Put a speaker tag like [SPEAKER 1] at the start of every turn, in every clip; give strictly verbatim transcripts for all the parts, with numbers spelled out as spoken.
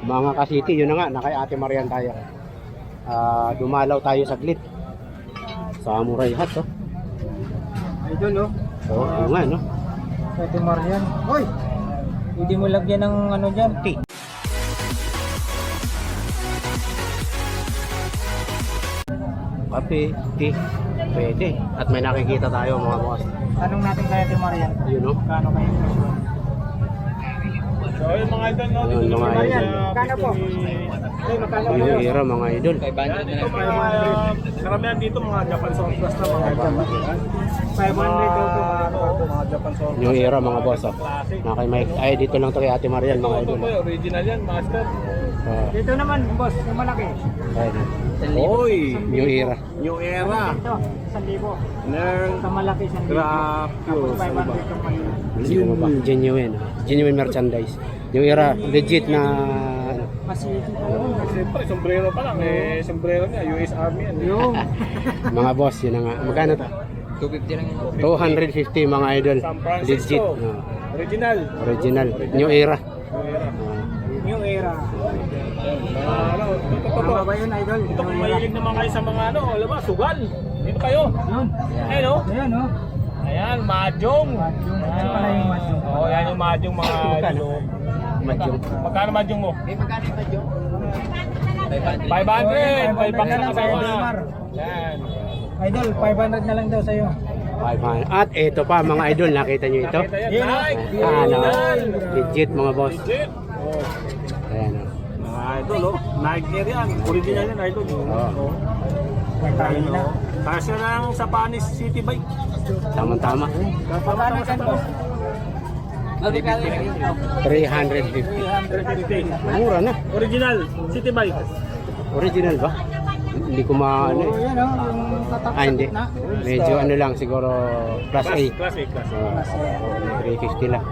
[SPEAKER 1] Mga ka-city, yun na nga, na kay Ate Marian tayo. Ah, dumalaw tayo saglit. Samurai hat, oh.
[SPEAKER 2] Idol, oh.
[SPEAKER 1] Oo, oh, nga, no?
[SPEAKER 2] Ate Marian. Hoy! Hindi mo lagyan ng ano dyan.
[SPEAKER 1] Tea. Kape, tea, pwede. At may nakikita tayo mga boss.
[SPEAKER 2] Tanong natin kay Ate Marian.
[SPEAKER 1] Yun, no?
[SPEAKER 2] Kano kayo presyo?
[SPEAKER 3] So yung mga idol, no?
[SPEAKER 1] Yun, mga idol.
[SPEAKER 2] Kano po? Ay, magkano po?
[SPEAKER 1] Yung era, mga idol.
[SPEAKER 3] Yan, ito mga, karamihan dito mga Japan Sound Plus na mga idol.
[SPEAKER 2] five hundred daw po.
[SPEAKER 3] Mga, ano, mga Japan Sound Plus.
[SPEAKER 1] Yung era, mga boss, oh. Na kay Mike. Ay, dito lang to kay Ate Marian,
[SPEAKER 3] Ito,
[SPEAKER 1] mga
[SPEAKER 3] ito
[SPEAKER 1] idol.
[SPEAKER 3] po, original yan, master.
[SPEAKER 1] Ah,
[SPEAKER 2] Dito naman, boss, yung malaki.
[SPEAKER 1] ayun.
[SPEAKER 3] Oy!
[SPEAKER 1] New era.
[SPEAKER 3] New era.
[SPEAKER 2] Ito, one thousand.
[SPEAKER 3] Nang
[SPEAKER 2] Sa malaki, one thousand.
[SPEAKER 3] grab
[SPEAKER 2] Tapos
[SPEAKER 3] yun.
[SPEAKER 2] five hundred yung malaki.
[SPEAKER 1] Ano ba? Genuine. Genuine merchandise. New era, legit na ano.
[SPEAKER 2] Masiki talaga.
[SPEAKER 3] Siyempre, sombrero pa lang. Eh, sombrero niya, U S Army yan. eh.
[SPEAKER 2] Yung.
[SPEAKER 1] Mga boss, yun na nga. Magkano to?
[SPEAKER 2] two fifty lang yun.
[SPEAKER 1] two fifty mga idol.
[SPEAKER 3] San
[SPEAKER 1] Legit.
[SPEAKER 3] Francisco.
[SPEAKER 1] Ah,
[SPEAKER 3] Original.
[SPEAKER 1] original. New era.
[SPEAKER 3] New era.
[SPEAKER 1] Ah,
[SPEAKER 2] New era.
[SPEAKER 3] Mga ano, ito, ito, ito.
[SPEAKER 2] Tama ba yun, idol?
[SPEAKER 3] Ito kung mahilig naman kayo sa mga ano, alam ba, sugal. Dito kayo.
[SPEAKER 2] Yun.
[SPEAKER 3] Ayun oh.
[SPEAKER 2] Ayan, oh.
[SPEAKER 3] Ayan, mahjong.
[SPEAKER 2] Mahjong. Ano pala yung mahjong?
[SPEAKER 3] Oo, oh, yan yung mahjong mga ano.
[SPEAKER 1] Madyong.
[SPEAKER 3] Magkano mahjong mo?
[SPEAKER 2] Eh, magkano yung mahjong?
[SPEAKER 3] five hundred. five
[SPEAKER 2] five hundred
[SPEAKER 3] hundred
[SPEAKER 2] na lang
[SPEAKER 3] kasama.
[SPEAKER 2] sa'yo, Dilmar.
[SPEAKER 3] Yan.
[SPEAKER 2] Idol, five hundred na lang daw sa'yo.
[SPEAKER 1] five hundred. At ito pa mga idol, nakita nyo ito?
[SPEAKER 3] Nakita yan,
[SPEAKER 2] Yan, oh.
[SPEAKER 3] Nike.
[SPEAKER 1] Ah, ano?
[SPEAKER 3] Yan.
[SPEAKER 1] Legit mga boss.
[SPEAKER 3] Legit.
[SPEAKER 1] Ayan o.
[SPEAKER 3] Mga idol, oh. Nike Air yan. Original yan, idol.
[SPEAKER 1] Oo.
[SPEAKER 2] Magkano na.
[SPEAKER 3] Kasya lang sa Panis City Bike.
[SPEAKER 1] Tama-tama.
[SPEAKER 2] Magkano yan, boss?
[SPEAKER 1] three hundred fifty.
[SPEAKER 3] three hundred fifty.
[SPEAKER 1] Mura na.
[SPEAKER 3] Original City Bike.
[SPEAKER 1] Original ba? Hindi ko maano
[SPEAKER 2] Oo,
[SPEAKER 1] eh.
[SPEAKER 2] yan, oh. Yung tatak
[SPEAKER 1] Ah, hindi.
[SPEAKER 2] na.
[SPEAKER 1] Medyo ano lang siguro plus eight.
[SPEAKER 3] Class A, class A.
[SPEAKER 1] Uh, three fifty lang.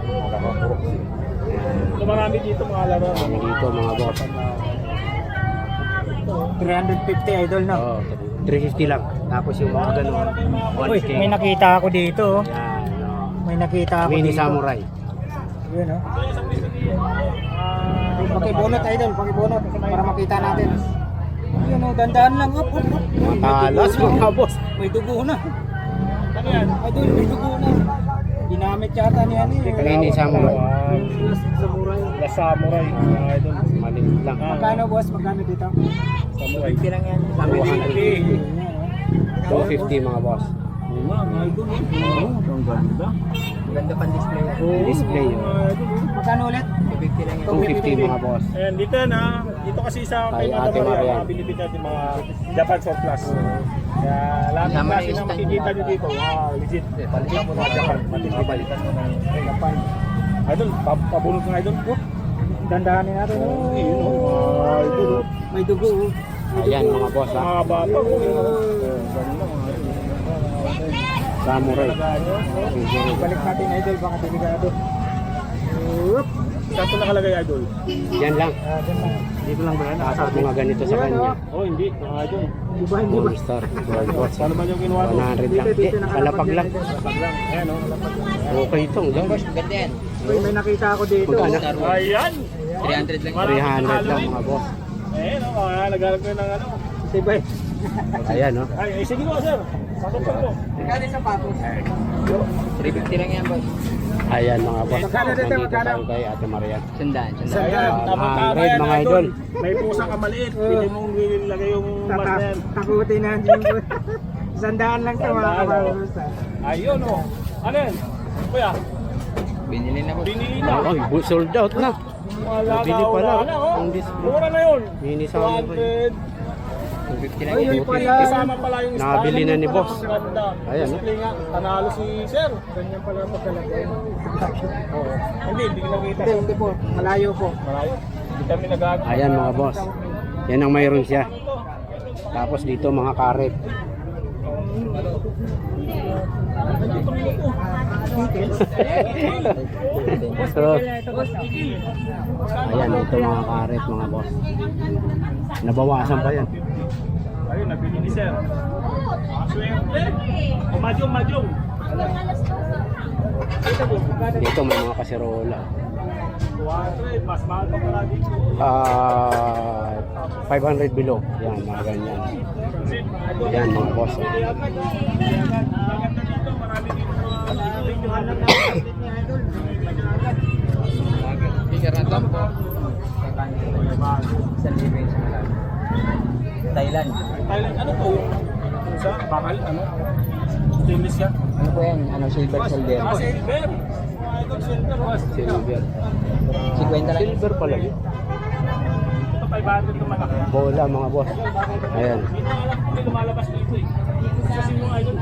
[SPEAKER 3] So marami dito mga laro.
[SPEAKER 1] Kami dito mga boss.
[SPEAKER 2] three hundred fifty, idol, no?
[SPEAKER 1] Oh, three fifty lang. Tapos yung mga ganun,
[SPEAKER 2] Uy,
[SPEAKER 1] one K.
[SPEAKER 2] may nakita ako dito, oh.
[SPEAKER 1] Yan, oh.
[SPEAKER 2] May nakita ako
[SPEAKER 1] Mini
[SPEAKER 2] dito.
[SPEAKER 1] Samurai.
[SPEAKER 2] Yun, oh. Pakibunot, idol, pakibunot para makita natin. Yun, oh, dandaan lang, up, up, up.
[SPEAKER 1] Mga talas mga boss.
[SPEAKER 2] May dugo na.
[SPEAKER 3] Ano yan?
[SPEAKER 2] Idol, may dugo na. Ginamit yata ni ano, eh.
[SPEAKER 1] Mini Samurai.
[SPEAKER 2] Samurai.
[SPEAKER 3] La Samurai. Mga idol.
[SPEAKER 1] Maliit lang.
[SPEAKER 2] Magkano, boss? Magkano dito?
[SPEAKER 3] Samurai.
[SPEAKER 2] fifty lang yan.
[SPEAKER 1] two fifty.
[SPEAKER 2] Yan, oh.
[SPEAKER 1] two fifty mga boss.
[SPEAKER 3] Oo nga, mga idol. Oo, ang ganda.
[SPEAKER 2] Ganda pang display.
[SPEAKER 1] Display yun.
[SPEAKER 2] Magkano ulit? two fifty lang yan.
[SPEAKER 1] two fifty mga boss.
[SPEAKER 3] Ayan, dito na. Dito kasi sa
[SPEAKER 1] Kay
[SPEAKER 3] kay
[SPEAKER 1] Ate
[SPEAKER 3] Ate
[SPEAKER 1] Marian.
[SPEAKER 3] mga binibig natin mga Japan Soft Plus. Kaya lahat ng klase na makikita nyo dito, wow, legit. Palitan mo na Japan. Matindi balikan mo ng Japan. Idol, pa- pabunod ng idol. Oh,
[SPEAKER 2] Dandahanin natin.
[SPEAKER 3] oh, yun, oh, mga idol. oh.
[SPEAKER 2] May dugo. oh.
[SPEAKER 1] Ayan mga boss ha.
[SPEAKER 3] Mga bata. Oh, yun, oh. Oh, ganda mga idol.
[SPEAKER 1] Samurai.
[SPEAKER 2] Balik natin, idol, baka delikado. Oop.
[SPEAKER 3] Saan ito nakalagay, idol?
[SPEAKER 1] Yan lang.
[SPEAKER 2] Ah, dyan lang.
[SPEAKER 3] Dito lang ba yan?
[SPEAKER 1] At mga ganito sa kanya.
[SPEAKER 3] Oh, hindi. Mga idol.
[SPEAKER 2] Di ba, hindi ba?
[SPEAKER 1] Monster. Gold boss.
[SPEAKER 3] Paano ba yung kinuha mo?
[SPEAKER 1] one hundred lang. Di, kalapag lang.
[SPEAKER 3] Lapag lang. Ayan, oh.
[SPEAKER 1] Okay itong. Yan.
[SPEAKER 2] Ganda yan. Uy, may nakita ako dito.
[SPEAKER 1] Magkano?
[SPEAKER 3] Ayan!
[SPEAKER 2] three hundred lang.
[SPEAKER 1] three hundred lang mga boss.
[SPEAKER 3] Eh, no, ah, naghanap ko yun ng ano.
[SPEAKER 2] Tibay.
[SPEAKER 1] Ayan no.
[SPEAKER 3] Ay, eh, sige mo, sir. Pasok pa po.
[SPEAKER 2] Magkano yung sapatos?
[SPEAKER 4] three fifty lang yan, boss.
[SPEAKER 1] Ayan mga boss.
[SPEAKER 2] Magkano dito,
[SPEAKER 1] Nandito
[SPEAKER 2] magkano?
[SPEAKER 1] tayo kay Ate Marian.
[SPEAKER 4] Sandaan, sandaan.
[SPEAKER 2] Sandaan.
[SPEAKER 3] Ayan,
[SPEAKER 1] Ah,
[SPEAKER 3] tamang-tama
[SPEAKER 1] one hundred,
[SPEAKER 3] yan,
[SPEAKER 1] mga idol.
[SPEAKER 3] May pusang kamaliit. Pili mong nilagay yung mas na yan.
[SPEAKER 2] Takutin na yun. Sandaan lang ito, mga
[SPEAKER 3] Sandaan,
[SPEAKER 2] kabalos.
[SPEAKER 3] Ayun, oh. Ano yan? Kuya,
[SPEAKER 4] Binili na, boss.
[SPEAKER 3] binili na.
[SPEAKER 1] Ay, bu- sold out na.
[SPEAKER 3] Wala
[SPEAKER 1] Bili
[SPEAKER 3] na,
[SPEAKER 1] pala.
[SPEAKER 3] wala na, oh.
[SPEAKER 1] Ang display.
[SPEAKER 3] Mura na yun.
[SPEAKER 1] Mini
[SPEAKER 3] two
[SPEAKER 1] Samurai.
[SPEAKER 3] hundred.
[SPEAKER 4] two fifty lang
[SPEAKER 2] Ay,
[SPEAKER 4] yan.
[SPEAKER 2] yun pala.
[SPEAKER 3] Kasama pala yung style.
[SPEAKER 1] Nabili na ni
[SPEAKER 3] Pala,
[SPEAKER 1] boss.
[SPEAKER 3] ang ganda.
[SPEAKER 1] Ayan, oh.
[SPEAKER 3] Display nga. Panalo si sir.
[SPEAKER 2] Ganyan pala pagkalagay.
[SPEAKER 3] Oo. Hindi, hindi ko nakita.
[SPEAKER 2] Hindi, hindi po. Malayo po.
[SPEAKER 3] Malayo. Hindi kami nag-
[SPEAKER 1] Ayan mga boss. Yan ang mayroon siya. Tapos dito mga karet. So, ayan ito mga karet mga boss. Nabawasan pa yan.
[SPEAKER 3] Ayun, nabili ni sir. Swerte. O, Madyong, madyong.
[SPEAKER 1] Dito may mga kaserola.
[SPEAKER 3] two hundred, mas mahal pa pala dito.
[SPEAKER 1] Ah, five hundred below. Yan, mga ganyan. Yan, mga boss. oh.
[SPEAKER 4] Sticker na to. Isang libo yung sa Malabo. Thailand.
[SPEAKER 3] Thailand, ano po? Sa bakal, ano? Stainless yan.
[SPEAKER 4] Ano po yan? Ano, silver silver?
[SPEAKER 3] Ah, silver. Mga idol, silver. oh.
[SPEAKER 1] Silver.
[SPEAKER 4] fifty lang.
[SPEAKER 1] Silver pala yun.
[SPEAKER 3] Ito five hundred na malaki.
[SPEAKER 1] Bola, mga boss. Ayan.
[SPEAKER 3] Hindi na alam kung may lumalabas dito eh. Kasi yung idol.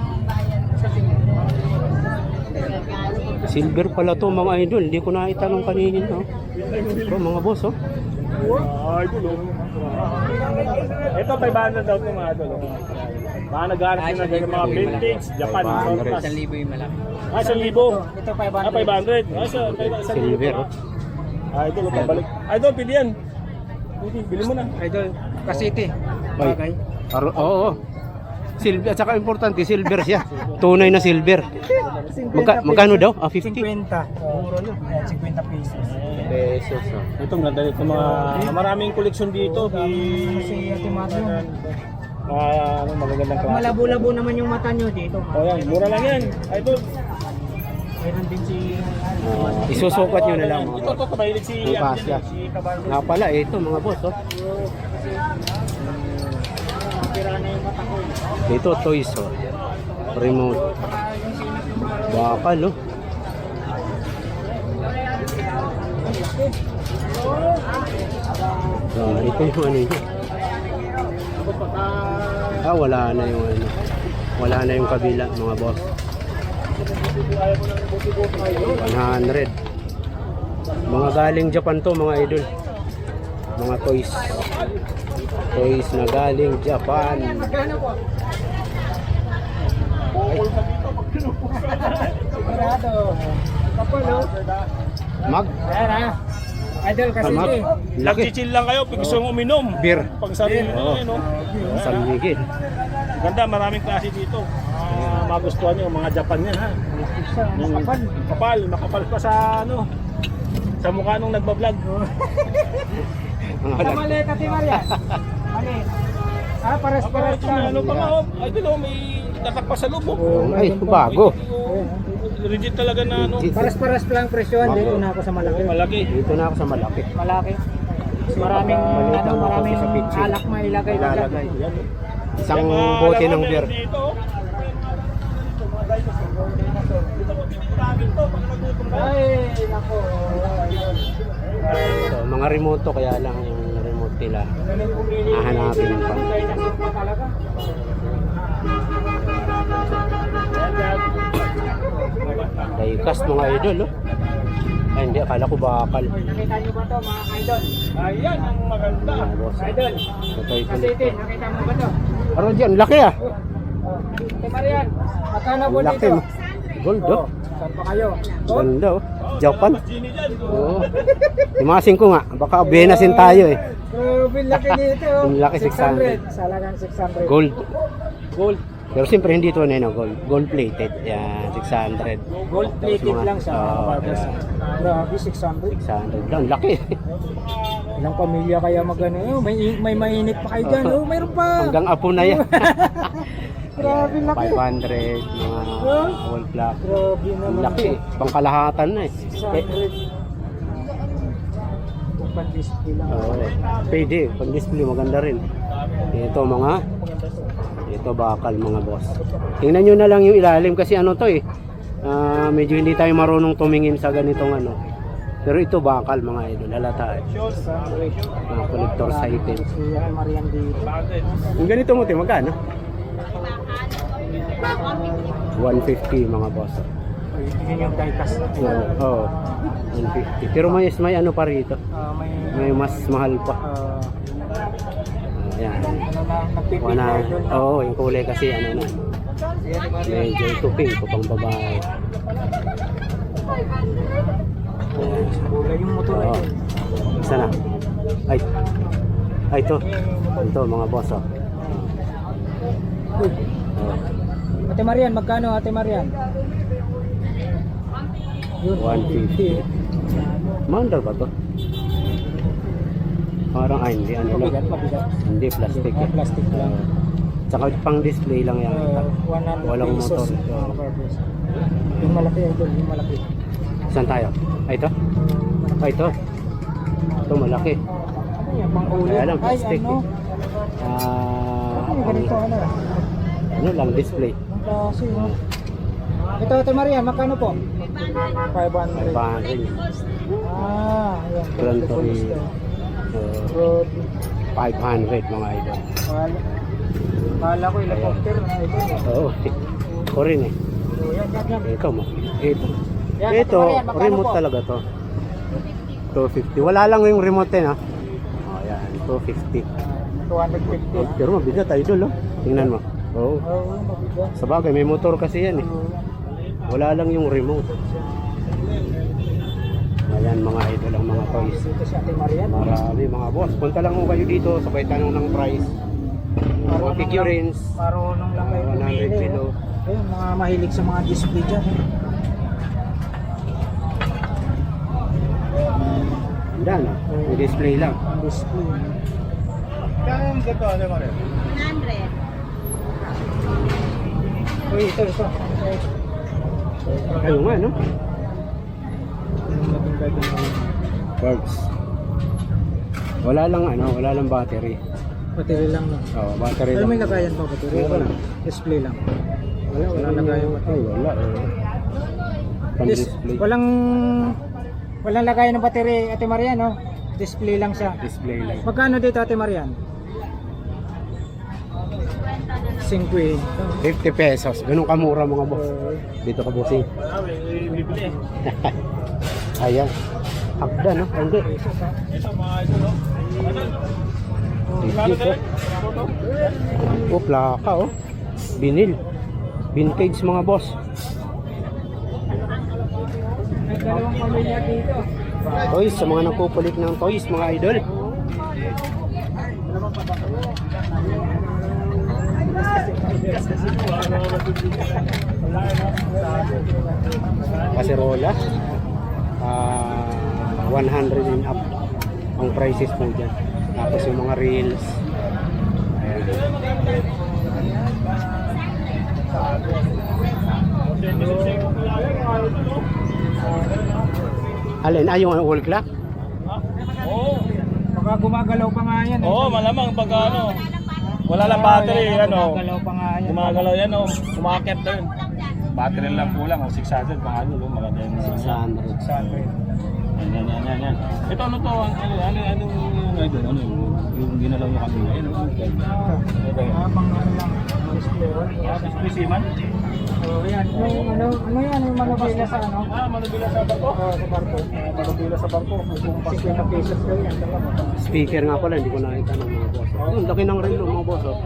[SPEAKER 1] Silver pala to mga idol. Hindi ko nakita nung kaninin. Oh. Ito, mga boss. Oh.
[SPEAKER 3] Ah, idol. oh. Ito five hundred daw ito mga idol. oh. Mga nag-aaral sila ng mga vintage, Japan.
[SPEAKER 1] five hundred.
[SPEAKER 4] Isang libo yung malaki.
[SPEAKER 3] Ah, isang libo.
[SPEAKER 2] Ito five
[SPEAKER 3] Ah,
[SPEAKER 2] hundred.
[SPEAKER 3] five hundred. Ah, isa, isang libo.
[SPEAKER 1] Silver. Oh.
[SPEAKER 3] Ah, idol, oh, pabalik. Idol, pili yan. Pili, bili mo na.
[SPEAKER 2] Idol, Kasiti.
[SPEAKER 1] Ay.
[SPEAKER 2] Bagay.
[SPEAKER 1] Aro- Oo. Oh, Silver. At saka importante, silver siya. Tunay na silver. Magka, magkano daw? Ah, fifty?
[SPEAKER 2] fifty. Mura na. Ayan, fifty pesos.
[SPEAKER 1] Pesos. Oh.
[SPEAKER 3] Ito, ang ganda nito mga maraming koleksyon dito.
[SPEAKER 2] Kasi Ate Mario.
[SPEAKER 3] Ah, ano, magagandang
[SPEAKER 2] Pag
[SPEAKER 3] klase.
[SPEAKER 2] malabo-labo naman yung mata nyo dito.
[SPEAKER 3] Oh, yan, mura lang yan. Idol.
[SPEAKER 2] Meron din si...
[SPEAKER 1] Ah, isusukat nyo na lang mga
[SPEAKER 3] Ito,
[SPEAKER 1] boss.
[SPEAKER 3] ito, kabahilig si
[SPEAKER 1] Ang kasya.
[SPEAKER 3] si Caballo.
[SPEAKER 1] Nga pala, eh, ito mga boss. Oh.
[SPEAKER 2] Tira na yung mata ko.
[SPEAKER 1] Ito, toys. Oh. Remote. Bakal. Oh. Ah, ito yung ano yun. Ah, wala na yung ano. Wala na yung kabila, mga boss. one hundred. Mga galing Japan to, mga idol. Mga toys. Toys na galing Japan.
[SPEAKER 2] Magkano po? Sigurado. Kapal, oh.
[SPEAKER 1] Mag.
[SPEAKER 2] Ayan, ah. Idol,
[SPEAKER 1] Ah,
[SPEAKER 2] Kasiti.
[SPEAKER 1] mag. Laki.
[SPEAKER 3] Nag-chill lang kayo, pag gusto mong uminom.
[SPEAKER 1] Beer.
[SPEAKER 3] Pag sarili
[SPEAKER 1] Oo.
[SPEAKER 3] nyo, yun, no?
[SPEAKER 1] San Miguel.
[SPEAKER 3] Ganda, maraming klase dito. Ah, magustuhan nyo, mga Japan yan, ha? Yung
[SPEAKER 2] Kapal.
[SPEAKER 3] Kapal, makapal pa sa, ano, sa mukha nung nagbablog.
[SPEAKER 1] Mga
[SPEAKER 2] Sa
[SPEAKER 1] lag-
[SPEAKER 2] mali, Ate Maria. Mali. Ah, pares-pares
[SPEAKER 3] Ito,
[SPEAKER 2] lang.
[SPEAKER 3] ano pa nga, oh. Ay, dito, may tatak pa sa loob, oh.
[SPEAKER 1] Oh, ay, bago.
[SPEAKER 3] Oh, legit talaga na, ano.
[SPEAKER 1] Legit.
[SPEAKER 2] Pares-pares lang presyohan. Dito na ako sa malaki.
[SPEAKER 3] Malaki.
[SPEAKER 1] Dito na ako sa malaki.
[SPEAKER 2] Malaki. Maraming,
[SPEAKER 1] Maliit
[SPEAKER 2] ano,
[SPEAKER 1] lang ako
[SPEAKER 2] maraming
[SPEAKER 1] sa picture.
[SPEAKER 2] alak mailagay na dyan.
[SPEAKER 1] Ilalagay.
[SPEAKER 3] Yan, oh.
[SPEAKER 1] Isang
[SPEAKER 3] Yung mga
[SPEAKER 1] bote
[SPEAKER 3] laman
[SPEAKER 1] ng beer.
[SPEAKER 3] Dito, oh. Dito mo pinipiragin to, pag nagutom ka.
[SPEAKER 2] Ay, nako.
[SPEAKER 1] So, mga remote to, kaya lang yung remote nila. Hahanapin pa.
[SPEAKER 2] Talaga.
[SPEAKER 1] Diecast mga idol, oh. Ay, hindi, akala ko bakal.
[SPEAKER 2] Nakita niyo ba to mga idol?
[SPEAKER 3] Ayan ang maganda.
[SPEAKER 1] Mga boss.
[SPEAKER 2] Idol.
[SPEAKER 1] Ito yung
[SPEAKER 2] Kasiti, nakita mo ba to?
[SPEAKER 1] Pero dyan, laki ah.
[SPEAKER 2] Ate Marian, magkano po
[SPEAKER 1] Laki.
[SPEAKER 2] dito?
[SPEAKER 1] Gold, oh.
[SPEAKER 2] Saan pa kayo? Oh,
[SPEAKER 1] Ganda, oh. Japan.
[SPEAKER 3] Mas Gini dyan.
[SPEAKER 1] Oo. Timasin ko nga. Baka benasin tayo eh.
[SPEAKER 2] grabe laki dito.
[SPEAKER 1] Yung laki, six hundred.
[SPEAKER 2] Salagang six hundred.
[SPEAKER 1] Gold. Gold. Pero siyempre hindi ito na yun, oh, gold. Gold plated. Yan, six hundred.
[SPEAKER 2] Gold plated
[SPEAKER 1] Tapos mga-
[SPEAKER 2] lang siya.
[SPEAKER 1] Oo,
[SPEAKER 2] mga barbers.
[SPEAKER 1] yan.
[SPEAKER 2] Grabe, six hundred.
[SPEAKER 1] six hundred lang. Laki.
[SPEAKER 2] Ilang pamilya kaya magano? Oh, may may mainit pa kayo diyan. Oh, mayroon pa.
[SPEAKER 1] Hanggang apo na yan.
[SPEAKER 2] Grabe laki.
[SPEAKER 1] five hundred. Mga gold black.
[SPEAKER 2] Grabe
[SPEAKER 1] Ang
[SPEAKER 2] naman.
[SPEAKER 1] laki eh. Pangkalahatan na eh.
[SPEAKER 2] six
[SPEAKER 1] Eh,
[SPEAKER 2] hundred. Pan-display lang.
[SPEAKER 1] Oo. Pwede. Pang-display maganda rin. Ito mga ito bakal mga boss. Tingnan nyo na lang yung ilalim kasi ano to eh. Ah, medyo hindi tayo marunong tumingin sa ganitong ano. Pero ito bakal mga idol. Halata eh. Mga collector's item.
[SPEAKER 2] Si Ate Marian dito.
[SPEAKER 1] Yung ganito mo te, magkano? one fifty mga boss.
[SPEAKER 2] Yun yung diecast.
[SPEAKER 1] Oo. Oh, one fifty. Pero may, may ano pa rito.
[SPEAKER 2] Ah, may
[SPEAKER 1] May mas mahal pa.
[SPEAKER 2] ah,
[SPEAKER 1] Ayan.
[SPEAKER 2] ano na, nagpipil
[SPEAKER 1] Wana,
[SPEAKER 2] na idol na.
[SPEAKER 1] oo, yung kulay kasi ano na.
[SPEAKER 2] Si Ate Marian.
[SPEAKER 1] Medyo ito pink ko pang babae. Ayan.
[SPEAKER 2] Kulay yung motor
[SPEAKER 1] Oo.
[SPEAKER 2] idol.
[SPEAKER 1] Isa na. Ay. Ay, ito. Ito, mga boss, oh.
[SPEAKER 2] Uy,
[SPEAKER 1] Oh,
[SPEAKER 2] Ate Marian, magkano Ate Marian? Yun,
[SPEAKER 1] one fifty. Maandar ba to? Parang ay hindi ano lang.
[SPEAKER 2] Mabigat, mabigat.
[SPEAKER 1] Hindi plastic
[SPEAKER 2] Ah,
[SPEAKER 1] eh.
[SPEAKER 2] plastic lang.
[SPEAKER 1] Tsaka pang display lang yan.
[SPEAKER 2] Uh, one hundred
[SPEAKER 1] Walang
[SPEAKER 2] pesos.
[SPEAKER 1] motor.
[SPEAKER 2] mga kaparbers. Yung malaki idol, yung malaki.
[SPEAKER 1] Saan tayo? Ay ito? Ay ito. Ito malaki.
[SPEAKER 2] Ano yan, pang ulit?
[SPEAKER 1] Kaya lang
[SPEAKER 2] Ay,
[SPEAKER 1] plastic
[SPEAKER 2] ano?
[SPEAKER 1] eh. Ah,
[SPEAKER 2] Ano yung ganito, ano?
[SPEAKER 1] ano lang display.
[SPEAKER 2] Ang klase, no? Ito, Ate Maria, magkano po? five hundred.
[SPEAKER 1] Pangalan.
[SPEAKER 2] Ah, ayan.
[SPEAKER 1] Gran Torino.
[SPEAKER 2] Ito.
[SPEAKER 1] Uh,
[SPEAKER 2] Road.
[SPEAKER 1] five hundred mga idol.
[SPEAKER 2] Kala, kala ko helicopter na ito.
[SPEAKER 1] Oo. Ako rin eh.
[SPEAKER 2] So, yan, yan, yan.
[SPEAKER 1] Ikaw mo. Ito.
[SPEAKER 2] Yan,
[SPEAKER 1] Ito,
[SPEAKER 2] Ate Maria, magkano
[SPEAKER 1] remote
[SPEAKER 2] po?
[SPEAKER 1] talaga to. two fifty. Wala lang yung remote eh, no? Oh, yan. two fifty.
[SPEAKER 2] two fifty.
[SPEAKER 1] Oh, pero mabigat idol, oh. Tingnan mo. Oo.
[SPEAKER 2] Oo, mabigat.
[SPEAKER 1] Sa bagay, may motor kasi yan eh. Wala lang yung remote. Ayan mga idol ang mga toys.
[SPEAKER 2] Dito si Ate Maria. no?
[SPEAKER 1] Marami mga boss. Punta lang mo kayo dito, sabay tanong ng price. Mga figurines.
[SPEAKER 2] Marunong lang kayo
[SPEAKER 1] one hundred
[SPEAKER 2] pumili.
[SPEAKER 1] kilo.
[SPEAKER 2] oh. Ayun, mga mahilig sa mga display dyan. eh.
[SPEAKER 1] Yan, oh. May display lang.
[SPEAKER 2] Ang display.
[SPEAKER 3] Kaya yung dito, ano mo rin?
[SPEAKER 5] one hundred.
[SPEAKER 2] Uy, ito, ito.
[SPEAKER 1] Ayun nga, no?
[SPEAKER 2] Yung naging gagawin mo.
[SPEAKER 1] Birds. Wala lang ano, wala lang battery.
[SPEAKER 2] Battery lang no.
[SPEAKER 1] Oh, battery
[SPEAKER 2] Pero
[SPEAKER 1] lang.
[SPEAKER 2] may lagayan pa battery.
[SPEAKER 1] Meron.
[SPEAKER 2] Wala. Display lang. Wala, wala lagayan
[SPEAKER 1] Ay,
[SPEAKER 2] battery.
[SPEAKER 1] wala. Eh. Pang
[SPEAKER 2] Dis-
[SPEAKER 1] display.
[SPEAKER 2] walang walang lagayan ng battery, Ate Marian, no? Display lang siya.
[SPEAKER 1] Display lang.
[SPEAKER 2] Magkano dito, Ate Marian? fifty.
[SPEAKER 1] fifty pesos. Ganun kamura mga boss. Dito ka bossing.
[SPEAKER 3] Ah, may bibili.
[SPEAKER 1] Ayan. Hakda, no? Hindi.
[SPEAKER 3] Ito, mga ito, no?
[SPEAKER 1] Legit, oh. Oh, plaka, oh. Binil. Vintage mga boss.
[SPEAKER 2] May dalawang pamilya dito.
[SPEAKER 1] Toys, sa mga nagpupulik ng toys, mga idol. Kaserola. Ah, one hundred and up ang prices po dyan. Tapos yung mga reels. Ayan. Alin? Ah, yung wall clock?
[SPEAKER 3] Oo.
[SPEAKER 2] Baka gumagalaw pa nga yan. eh.
[SPEAKER 3] Oo, malamang pag ano. Wala lang battery,
[SPEAKER 2] Ah,
[SPEAKER 3] ano.
[SPEAKER 2] Gumagalaw pa nga yan.
[SPEAKER 3] Gumagalaw yan, oh. Kumakit na yun. Battery lang kulang, oh. six hundred, mga ano, oh. Maganda yun.
[SPEAKER 1] six hundred.
[SPEAKER 2] six hundred.
[SPEAKER 3] Yan, yan, yan, yan. Ito, ano to? Ano, ano, ano, yung idol? Ano yung, yung ginalaw nyo kanina? Ano, ito. Ito, yun.
[SPEAKER 2] Ah, pang ano lang. Display.
[SPEAKER 3] Spesimen?
[SPEAKER 2] Oh, yan. Yung ano, ano yan? Yung manubila sa ano?
[SPEAKER 3] Ah, manubila sa barko?
[SPEAKER 2] Oo, sa barko.
[SPEAKER 3] Ah, manubila sa barko. Kung
[SPEAKER 2] fifty pesos daw yan.
[SPEAKER 1] Speaker nga pala, hindi ko nakita ng mga boss. Oh, ang laki ng relo mga boss. Oh.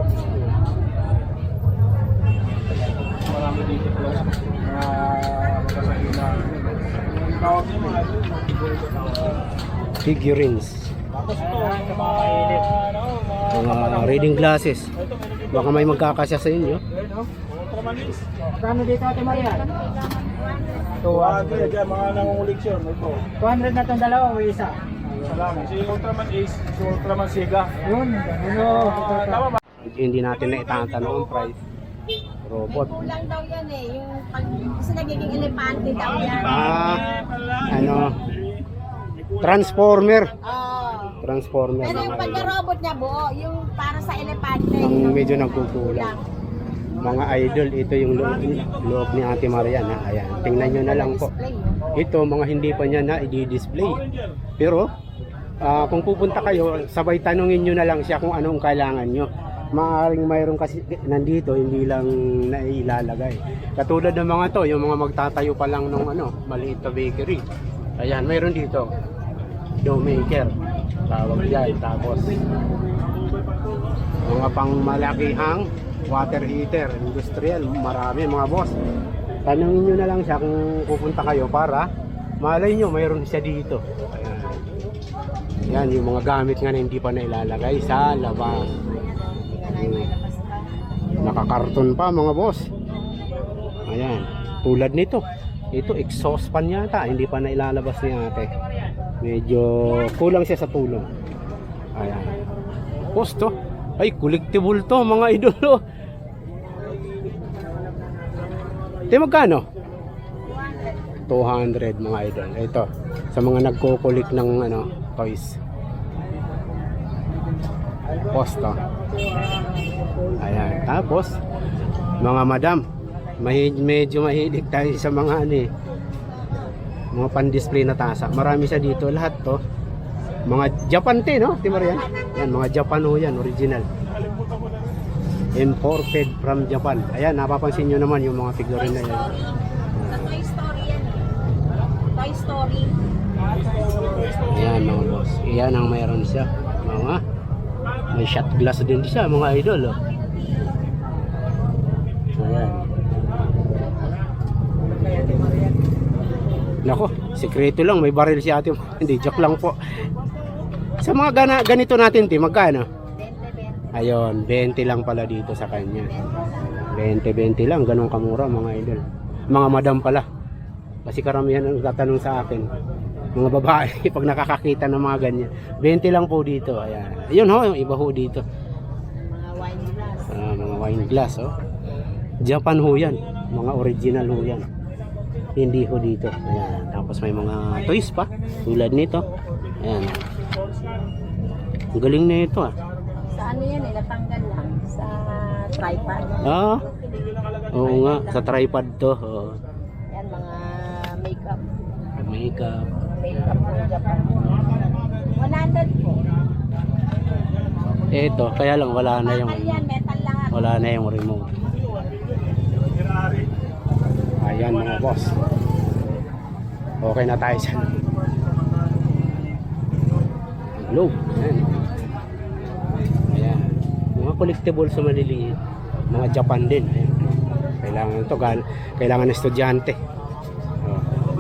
[SPEAKER 3] marami dito po. Ah, magkasali na. Yung tawag niyo mga idol, mga figure ko tawag.
[SPEAKER 1] Figurines.
[SPEAKER 3] Tapos ito, yung mga ano, mga
[SPEAKER 1] Mga reading glasses. Baka may magkakasya sa inyo.
[SPEAKER 3] Ultraman is.
[SPEAKER 2] Kano dito, Ate Maria?
[SPEAKER 3] two hundred yan, mga nangunguliksyon. Ito.
[SPEAKER 2] two hundred na itong dalawa o isa?
[SPEAKER 3] Salam. Si Ultraman Ace, si Ultraman Sega.
[SPEAKER 2] Yun. Ano?
[SPEAKER 3] Ah, tama ba?
[SPEAKER 1] Hindi natin na itatanong ang price. Robot.
[SPEAKER 5] Kulang daw yan eh. Yung pag kasi nagiging elepante daw yan.
[SPEAKER 1] Ah, ano? Transformer.
[SPEAKER 5] Oo.
[SPEAKER 1] Transformer.
[SPEAKER 5] Pero yung
[SPEAKER 1] mga idol.
[SPEAKER 5] pagka-robot niya buo, yung para sa elepante.
[SPEAKER 1] Ang
[SPEAKER 5] yung
[SPEAKER 1] medyo nagkukulang. Mga idol, ito yung loob, loob ni Ate Marian. Ha? Ayan, tingnan nyo na lang po.
[SPEAKER 5] Display, oh.
[SPEAKER 1] Ito, mga hindi pa niya na i-display. Pero, ah, kung pupunta kayo, sabay tanungin nyo na lang siya kung anong kailangan nyo. Maaaring mayroon kasi nandito, hindi lang nailalagay. Katulad ng mga to, yung mga magtatayo pa lang ng ano, maliit na bakery. Ayan, mayroon dito. Dough maker. Tawag dyan. Tapos, mga pang malakihang water heater, industrial, marami mga boss. Tanungin nyo na lang siya kung pupunta kayo para malay nyo, mayroon siya dito. Ayan. Yan, yung mga gamit nga na hindi pa nailalagay sa labas. Ayan. Nakakarton pa mga boss. Ayan, tulad nito. Ito, exhaust fan yata. Hindi pa nailalabas ni ate. Medyo kulang siya sa tulong. Ayan. Tapos to. Ay, collectible to mga idolo. Ito magkano? two hundred mga idol. Ito. Sa mga nagko-collect ng ano, toys. Posto. Ayan. Tapos, mga madam, mahi- medyo mahilig tayo sa mga ano eh, mga pan-display na tasa. Marami siya dito. Lahat to. Mga Japan te, no? Di ba yan? Yan, mga Japan ho yan. Original. Imported from Japan. Ayan, napapansin nyo naman yung mga figurine na yan.
[SPEAKER 5] Sa Toy Story yan eh. Toy Story.
[SPEAKER 1] Ayan mga boss. Ayan ang mayroon siya. Mga may shot glass din siya mga idol. Oh. Ayan. Nako, sikreto lang. May baril si ate. Hindi, joke lang po. Sa mga gana, ganito natin, ti, magkano? Ayun, twenty lang pala dito sa kanya. twenty, twenty lang. Ganun kamura mga idol. Mga madam pala. Kasi karamihan ang tatanong sa akin. Mga babae, pag nakakakita ng mga ganyan. twenty lang po dito. Ayan. Ayun ho, yung iba ho dito.
[SPEAKER 5] Mga wine glass.
[SPEAKER 1] Ah, mga wine glass, oh. Japan ho yan. Mga original ho yan. Hindi ho dito. Ayan. Tapos may mga toys pa. Tulad nito. Ayan. Ang galing na ito ah.
[SPEAKER 5] Sa ano yan eh, natanggal lang. Sa tripod.
[SPEAKER 1] Ah, oo nga. Sa tripod to. Oh.
[SPEAKER 5] Yan, mga makeup.
[SPEAKER 1] Makeup.
[SPEAKER 5] Makeup ng Japan. one hundred po.
[SPEAKER 1] Ito, kaya lang wala na yung
[SPEAKER 5] Metal yan, metal lahat.
[SPEAKER 1] wala na yung remote. Ayan mga boss. Okay na tayo sa globe. Ayan. Ayan. Mga collectible sa maliliit. Mga Japan din. Ayan. Kailangan ito. Kailangan ng estudyante. Oh.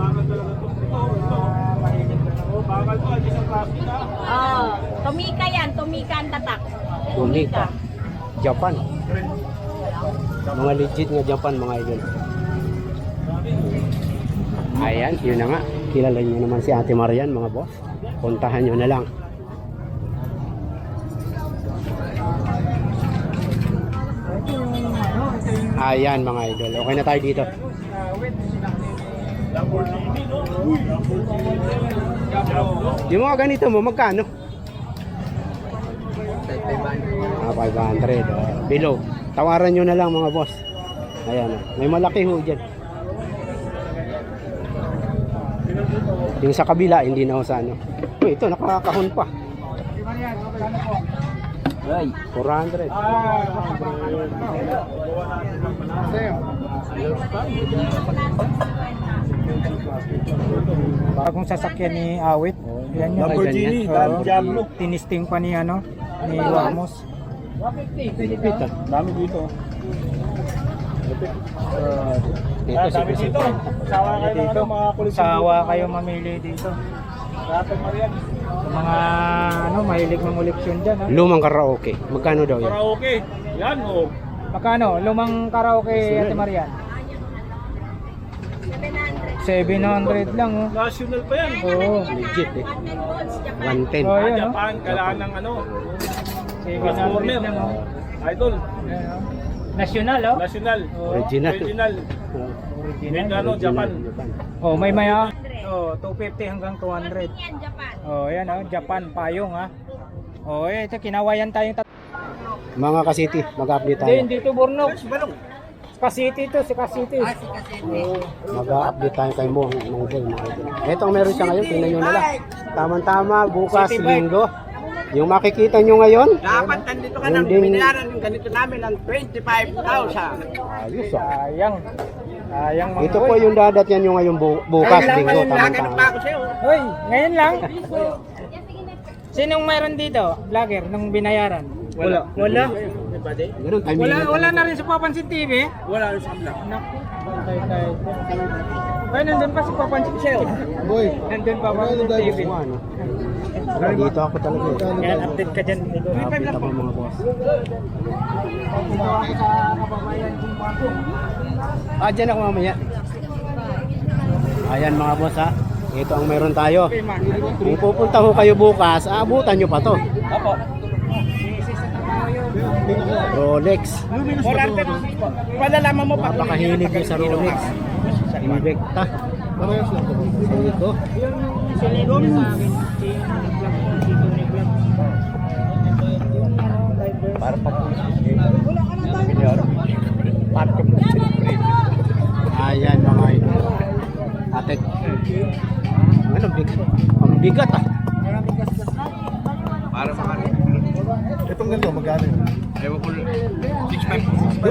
[SPEAKER 5] Oh, Tomika yan, Tomika ang tatak.
[SPEAKER 1] Tomika. Japan. Mga legit nga Japan mga idol. Ayan, yun na nga. Kilala nyo naman si Ate Marian mga boss. Puntahan nyo na lang. Ayan mga idol. Okay na tayo dito. Yung mga ganito mo, magkano? Ah, five hundred. Oh. Below. Tawaran nyo na lang mga boss. Ayan. Oh. May malaki ho dyan. Yung sa kabila, hindi na ho sa ano. Oh, ito, nakakahon pa.
[SPEAKER 4] Ay,
[SPEAKER 1] four hundred.
[SPEAKER 2] Bagong sasakyan ni Awit. Yan yung
[SPEAKER 3] Lamborghini,
[SPEAKER 2] Oo.
[SPEAKER 3] Diablo.
[SPEAKER 2] Tinisting pa ni ano, ni Ramos.
[SPEAKER 1] Lipit ah.
[SPEAKER 3] Dami dito.
[SPEAKER 1] Ito
[SPEAKER 3] Ah,
[SPEAKER 1] si
[SPEAKER 3] dami dito. Sawa kayo ng
[SPEAKER 2] Dito,
[SPEAKER 3] ano, mga kulit.
[SPEAKER 2] sawa kayo mamili dito.
[SPEAKER 3] Dapat Marian.
[SPEAKER 2] Sa mga ano, mahilig ng koleksyon dyan. Ha?
[SPEAKER 1] Lumang karaoke. Magkano daw yan?
[SPEAKER 3] Karaoke. Yan oh.
[SPEAKER 2] Magkano? Lumang karaoke, Ate Marian? seven hundred lang. Oh.
[SPEAKER 3] National pa yan.
[SPEAKER 2] Oo.
[SPEAKER 1] Legit eh.
[SPEAKER 5] one ten
[SPEAKER 1] one ten.
[SPEAKER 5] volts, Japan.
[SPEAKER 2] Oh,
[SPEAKER 3] Ah,
[SPEAKER 2] yan, oh.
[SPEAKER 3] Japan, kailangan ng ano.
[SPEAKER 2] seven hundred lang. Oh.
[SPEAKER 3] Idol.
[SPEAKER 2] Ayan, oh. National, oh.
[SPEAKER 3] National.
[SPEAKER 1] Original.
[SPEAKER 3] Original.
[SPEAKER 1] Oh,
[SPEAKER 3] Made ano, Japan.
[SPEAKER 1] Japan.
[SPEAKER 2] Oh, may maya. Oh, two fifty hanggang two hundred.
[SPEAKER 5] Yan, Japan.
[SPEAKER 2] Oh, yan oh, Japan payong ha. Oh, eh, ito kinawayan tayong tat-
[SPEAKER 1] Mga kasiti, mag-update tayo.
[SPEAKER 2] Hindi, dito Bornok. Kasiti to, si Kasiti.
[SPEAKER 1] Mag-update tayo kay Mo. Ito ang meron siya ngayon, tingnan nyo na lang. Tama-tama, bukas,
[SPEAKER 2] City bike.
[SPEAKER 1] linggo. Yung makikita nyo ngayon,
[SPEAKER 6] Dapat nandito ka
[SPEAKER 1] Yung
[SPEAKER 6] nang
[SPEAKER 1] din-
[SPEAKER 6] binayaran yung ganito namin ng twenty-five thousand.
[SPEAKER 1] ayos ah.
[SPEAKER 2] Sayang. Sayang mga
[SPEAKER 1] Ito po yung dadat yan yung ngayon bu- bukas,
[SPEAKER 6] Kaya lang
[SPEAKER 1] linggo,
[SPEAKER 6] ngayon, naganap pa
[SPEAKER 1] tama-tama.
[SPEAKER 6] ako sa'yo.
[SPEAKER 2] Hoy, ngayon lang. Sinong mayroon dito? Vlogger nung binayaran? Wala. Wala.
[SPEAKER 1] Ganun, time
[SPEAKER 2] Wala,
[SPEAKER 1] limit.
[SPEAKER 2] wala na rin sa Papansin T V.
[SPEAKER 6] Wala rin sa kabila.
[SPEAKER 2] Naku. Tay tay. Ay, nandun pa si Papansin T V.
[SPEAKER 1] Boy,
[SPEAKER 2] Nandun pa Papansin T V.
[SPEAKER 1] ano? Wala, dito ako talaga eh.
[SPEAKER 2] Yan, update ka dyan.
[SPEAKER 1] Update ako mga boss. Ah, dyan ako mamaya. Ayan mga boss ha. Ito ang meron tayo. Kung pupunta ho kayo bukas, aabutan nyo pa to.
[SPEAKER 6] Opo.
[SPEAKER 1] Rolex.
[SPEAKER 6] Malalaman mo pa.
[SPEAKER 1] Napakahilig nyo sa Rolex. Invicta. Ito.
[SPEAKER 3] Para pa po. Pinyor. Para pa po.
[SPEAKER 1] Ayan mga ito. Atek. Ano bigat? Ang bigat ah.
[SPEAKER 6] Para sa kanya.
[SPEAKER 3] Itong ganito, magkano yun?
[SPEAKER 6] Ewan ko. six five.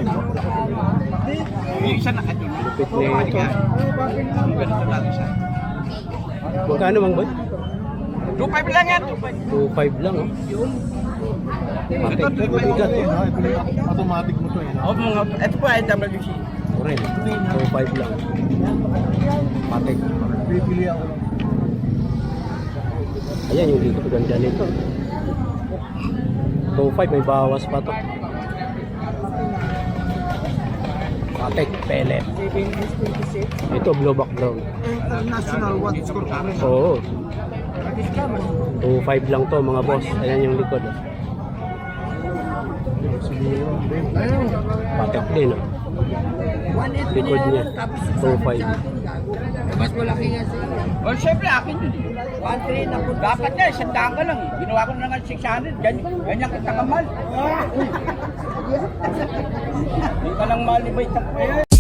[SPEAKER 6] Yung isa na kadyo.
[SPEAKER 1] Lupit na ito.
[SPEAKER 6] Ang ganito natin siya.
[SPEAKER 1] Magkano mang boy?
[SPEAKER 6] two five lang yan. two five.
[SPEAKER 1] two five lang oh. Atek. Bigat oh.
[SPEAKER 3] Automatic mo to eh.
[SPEAKER 6] Oh, mga, ito po ay W C.
[SPEAKER 1] Oren. two five lang. Atek.
[SPEAKER 3] Pipili ako.
[SPEAKER 1] Ayan yung dito. Ganda nito. two five may bawas pa to. Atek. Pellet. Ito blue back brown.
[SPEAKER 6] International what score kami.
[SPEAKER 1] Oo. two five lang to mga boss. Ayan yung likod. Oh. Patek din. Oh. Likod niya. two five.
[SPEAKER 6] Mas malaki nga siya. Oh, syempre akin yun. one three na po. Dapat na, isang daan ka lang eh. Ginawa ko na nga six hundred. Ganyan, ganyan kita kamal. Hindi ka lang malibay.